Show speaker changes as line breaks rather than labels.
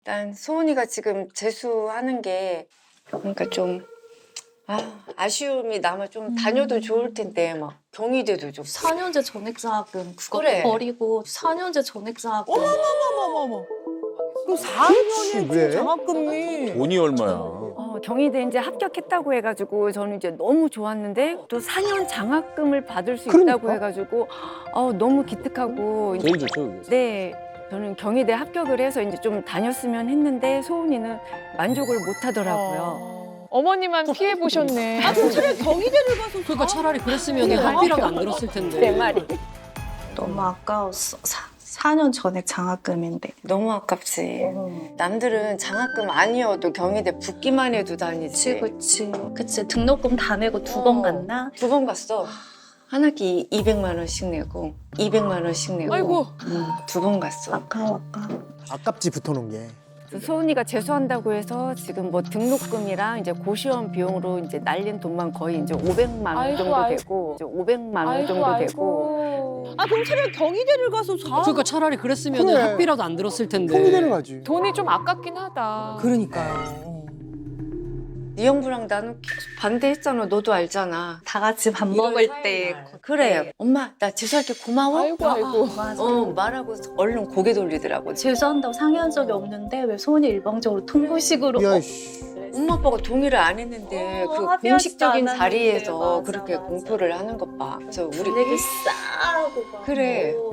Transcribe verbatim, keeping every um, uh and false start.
일단 소은이가 지금 재수하는 게 그러니까 좀 아, 아쉬움이 남아. 좀 다녀도 좋을 텐데 막 경희대도 좋고.
사 년제 전액장학금 그거
그래.
버리고 사 년제 전액장학금
어머머머머머. 그럼 사 년에
왜?
장학금이
돈이 얼마야?
어, 경희대 이제 합격했다고 해가지고 저는 이제 너무 좋았는데 또 사 년 장학금을 받을 수 있다고
그러니까.
해가지고 어, 너무 기특하고
제일 좋죠, 그게.
네 저는 경희대 합격을 해서 이제 좀 다녔으면 했는데 소은이는 만족을 못 하더라고요.
어머니만 피해 보셨네.
아, 그럼 차라리 경희대를 가서
그러니까 차라리 그랬으면 학비라도 안 들었을 텐데.
내 말이.
너무 아까웠어. 사 년 전액 장학금인데.
너무 아깝지. 남들은 장학금 아니어도 경희대 붙기만 해도 다니지.
그치 그치. 그치 등록금 다 내고 두
어.
번 갔나?
두 번 갔어. 한 학기 이백만 원씩 내고 이백만 원씩 내고.
아이고.
두 번 갔어.
아까워 아까워.
아깝지 붙어놓은 게.
소은이가 재수한다고 해서 지금 뭐 등록금이랑 이제 고시원 비용으로 이제 날린 돈만 거의 이제 오백만 원
아이고,
정도
아이고.
되고 이제 오백만 원
아이고,
정도
아이고.
되고
아, 그럼 차라리 경희대를 가서 사.
그러니까 차라리 그랬으면
그래.
학비라도 안 들었을 텐데.
경희대를 가지.
돈이 좀 아깝긴 하다.
그러니까요.
네 형부랑 나는 계속 반대했잖아. 너도 알잖아.
다 같이 밥 먹을 때
그래. 엄마 나 재수할게 고마워.
아이고 아이고.
맞아.
어 말하고 얼른 고개 돌리더라고.
재수한다고 상의한 적이 없는데 왜 소은이 일방적으로 통보식으로
야,
어,
씨.
엄마 아빠가 동의를 안 했는데
어,
그
합의하지도
공식적인
않았는데.
자리에서
맞아,
그렇게
맞아.
공표를 하는 것 봐. 그래서 우리
되게 싸고 막
그래.
뭐